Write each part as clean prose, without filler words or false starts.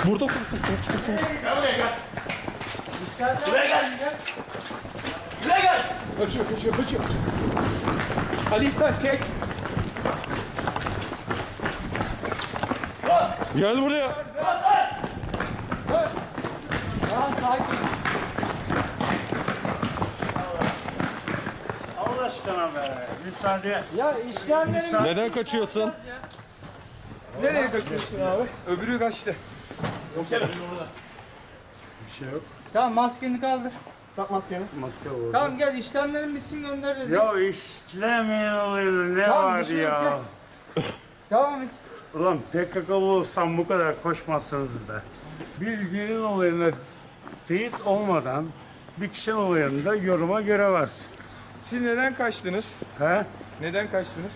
Burada. Gel buraya gel. Buraya gel. Buraya gel. Kaçıyor. Ali sen çek. Gel buraya. Allah aşkına be. Müsaade. Ya işlemlerin Neden kaçıyorsun? nereye kaçıyorsun abi? Öbürü kaçtı. Bir şey yok. Tamam maskeni kaldır. Tak maskeni. Maske orada. Tamam gel işlemlerin bitsin göndeririz. Ya işlemeyin olayını ne Tamam, var bir şey yok, ya? Devam et. Ulan PKK'lı olsam bu kadar koşmazsınız be. Bir gelin olayına teyit olmadan bir kişinin olayında yoruma göremezsin. Siz neden kaçtınız? He? Neden kaçtınız?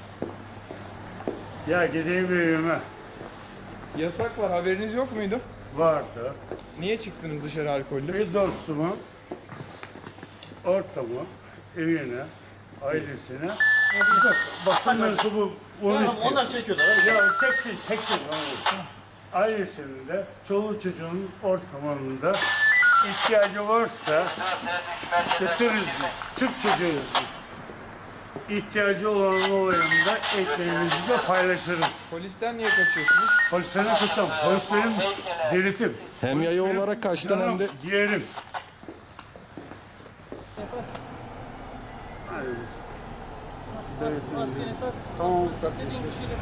Ya gideyim evime. Yasak var, haberiniz yok muydu? Vardı. Niye çıktınız dışarı alkollü? Bir dostumu, ortamı, evine, ailesine basın mensubu onu istiyor. Onlar çekiyorlar. Hadi gel. Ya çeksin. Ailesinin de çoluğu çocuğun ortamında ihtiyacı varsa götürürüz biz. Türk çocuğuyuz biz. İhtiyacı olan olayında ekmeğimizi de paylaşırız. Polisten niye kaçıyorsunuz? Polisten ne kaçacağım? Polis benim devletim. Hem Polis yayı benim olarak kaçtın canım, hem de... ciğerim. Maskeni tak. Tamam. İstediğin kişiyle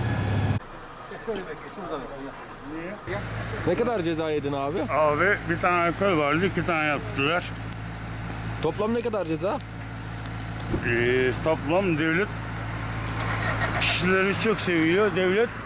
Ne kadar ceza yedin abi? Abi bir tane alkol vardı, 2 tane yaptılar. Toplam ne kadar ceza? Toplam devlet kişileri çok seviyor. Devlet